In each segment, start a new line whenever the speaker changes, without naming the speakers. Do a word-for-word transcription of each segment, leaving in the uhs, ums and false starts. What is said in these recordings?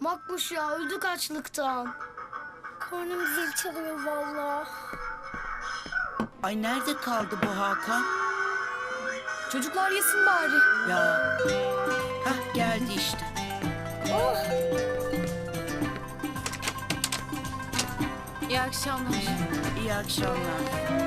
Makbuş ya, öldük açlıktan. Karnım zil çalıyor vallahi.
Ay nerede kaldı bu Hakan?
Çocuklar yesin bari.
Ya. Hah geldi işte.
Oh.
İyi akşamlar.
İyi akşamlar.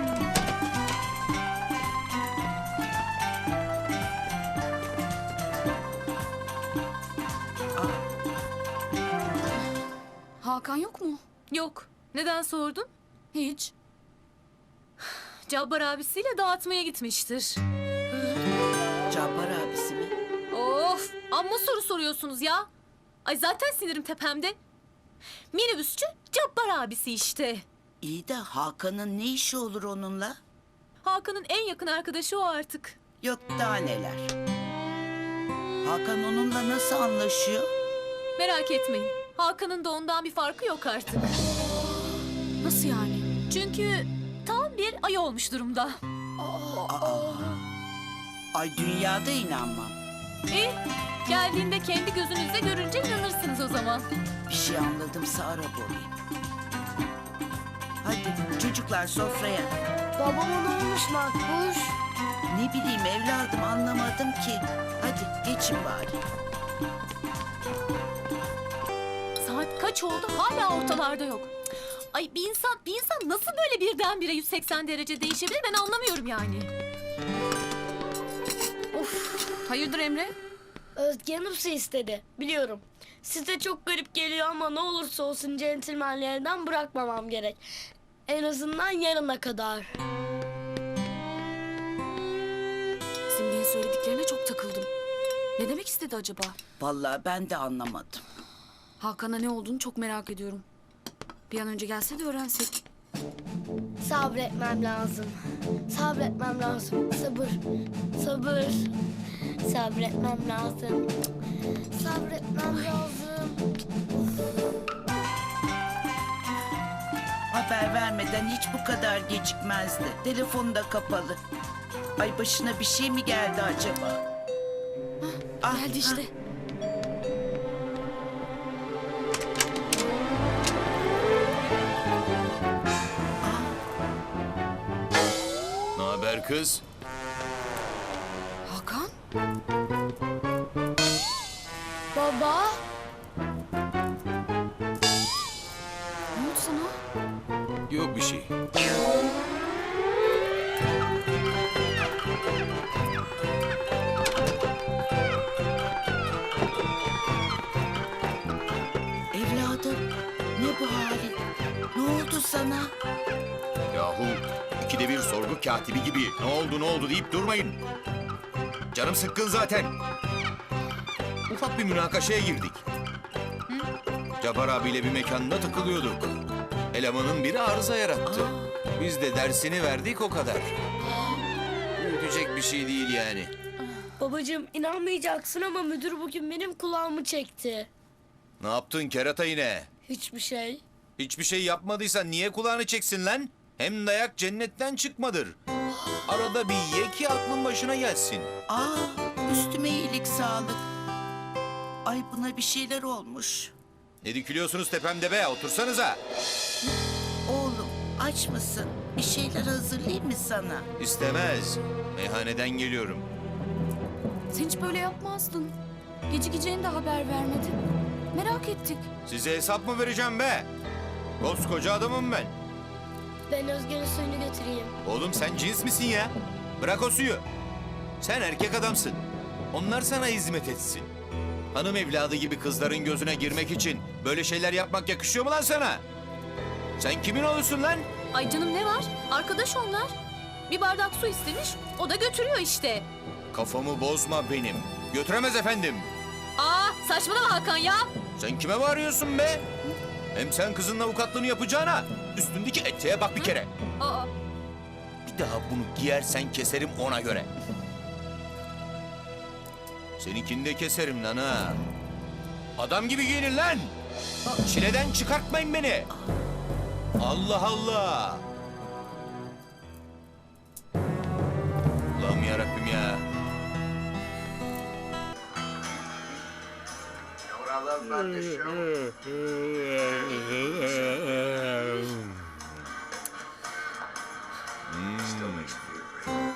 Hakan yok mu?
Yok. Neden sordun?
Hiç.
Cabbar abisiyle dağıtmaya gitmiştir.
Cabbar abisi mi?
Of! Amma soru soruyorsunuz ya. Ay zaten sinirim tepemde. Minibüsçü Cabbar abisi işte.
İyi de Hakan'ın ne işi olur onunla?
Hakan'ın en yakın arkadaşı o artık.
Yok daha neler. Hakan onunla nasıl anlaşıyor?
Merak etmeyin. Hakan'ın da ondan bir farkı yok artık.
Nasıl yani?
Çünkü tam bir ay olmuş durumda.
Aa. Ay dünyada inanmam.
E, geldiğinde kendi gözünüzle görünce inanırsınız o zaman.
Bir şey anladımsa Arap olayım. Hadi çocuklar sofraya.
Babama ne olmuş Makbuş?
Ne bileyim evladım anlamadım ki. Hadi geçin bari.
Saat kaç oldu hala ortalarda yok. Ay bir insan bir insan nasıl böyle birdenbire yüz seksen derece değişebilir ben anlamıyorum yani.
Hayırdır Emre?
Özge Hanım su istedi. Biliyorum. Size çok garip geliyor ama ne olursa olsun centilmenlerden bırakmamam gerek. En azından yarına kadar.
Simge'nin söylediklerine çok takıldım. Ne demek istedi acaba?
Vallahi ben de anlamadım.
Hakan'a ne olduğunu çok merak ediyorum. Bir an önce gelse de öğrensek.
Sabretmem lazım. Sabretmem lazım. Sabır. Sabır. Sabretmem lazım. Sabretmem lazım.
Haber vermeden hiç bu kadar gecikmezdi. Telefonu da kapalı. Ay başına bir şey mi geldi acaba? Ah,
Geldi işte.
Ne haber kız?
Hakan?
Baba.
Ne oldu sana?
Yok bir şey.
Evladım ne bu halin? Ne oldu sana?
Yahu ikide bir sorgu katibi gibi ne oldu ne oldu deyip durmayın. Canım sıkkın zaten. Ufak bir münakaşaya girdik. Cabbar abiyle bir mekanda takılıyorduk. Elemanın biri arıza yarattı. Biz de dersini verdik o kadar. Büyütecek bir şey değil yani.
Babacığım inanmayacaksın ama müdür bugün benim kulağımı çekti.
Ne yaptın kerata yine?
Hiçbir şey.
Hiçbir şey yapmadıysan niye kulağını çeksin lan? Hem dayak cennetten çıkmadır. Arada bir ye ki aklın başına gelsin.
Aa üstüme iyilik sağlık. Ay buna bir şeyler olmuş.
Ne dikiliyorsunuz tepemde be? Otursanıza.
Oğlum aç mısın? Bir şeyler hazırlayayım mı sana?
İstemez. Meyhaneden geliyorum.
Sen hiç böyle yapmazdın. Gecikeceğini de haber vermedin. Merak ettik.
Size hesap mı vereceğim be? Koskoca adamım ben.
Ben Özge'nin suyunu götüreyim.
Oğlum sen cins misin ya? Bırak o suyu. Sen erkek adamsın. Onlar sana hizmet etsin. Hanım evladı gibi kızların gözüne girmek için böyle şeyler yapmak yakışıyor mu lan sana? Sen kimin olursun lan?
Ay canım ne var? Arkadaş onlar. Bir bardak su istemiş o da götürüyor işte.
Kafamı bozma benim. Götüremez efendim.
Aa saçmalama Hakan ya.
Sen kime bağırıyorsun be? Hem sen kızın avukatlığını yapacağına üstündeki eteğe bak bir kere.
Aa,
Bir daha bunu giyersen keserim ona göre. Seninkini de keserim lan ha. Adam gibi giyinin lan. Çileden çıkartmayın beni. Allah Allah. Allah'ım yarabbim ya.
I love about this show. Still makes me feel great.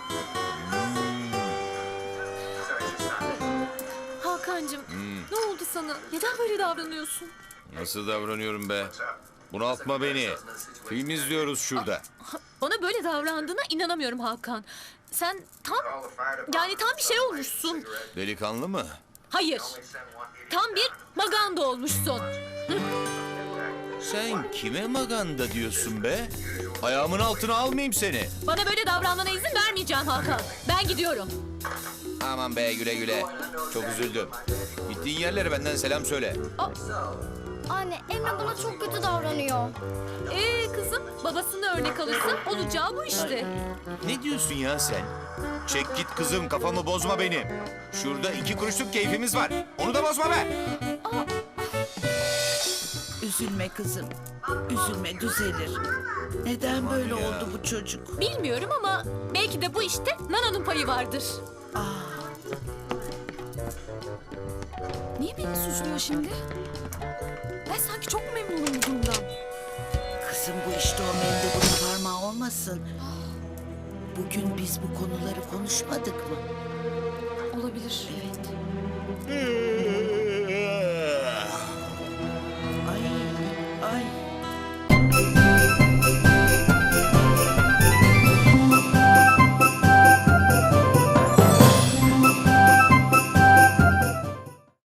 Sorry, just not.
Hakan'cığım ne oldu sana? Neden böyle davranıyorsun?
Nasıl davranıyorum be? Bunaltma beni. Film izliyoruz şurada.
Bana böyle davrandığına inanamıyorum Hakan. Sen tam yani tam bir şey olmuşsun.
Delikanlı mı?
Hayır. Tam bir maganda olmuşsun.
Sen kime maganda diyorsun be? Ayağımın altına almayayım seni.
Bana böyle davranmana izin vermeyeceğim Hakan. Ben gidiyorum.
Aman be, güle güle. Çok üzüldüm. Gittiğin yerlere benden selam söyle.
Anne, Emre bana çok kötü davranıyor.
Ee kızım babasını örnek alırsa olacağı bu işte.
Ne diyorsun ya sen? Çek git kızım, kafamı bozma benim. Şurada iki kuruşluk keyfimiz var. Onu da bozma be.
Üzülme kızım. Üzülme, düzelir. Neden böyle oldu bu çocuk?
Bilmiyorum ama belki de bu işte Nana'nın payı vardır.
Niye beni suçluyor şimdi? Ben sanki çok memnunum bu durumdan.
Kızım bu işte o mendebur parmağı olmasın. Bugün biz bu konuları konuşmadık mı?
Olabilir. Evet.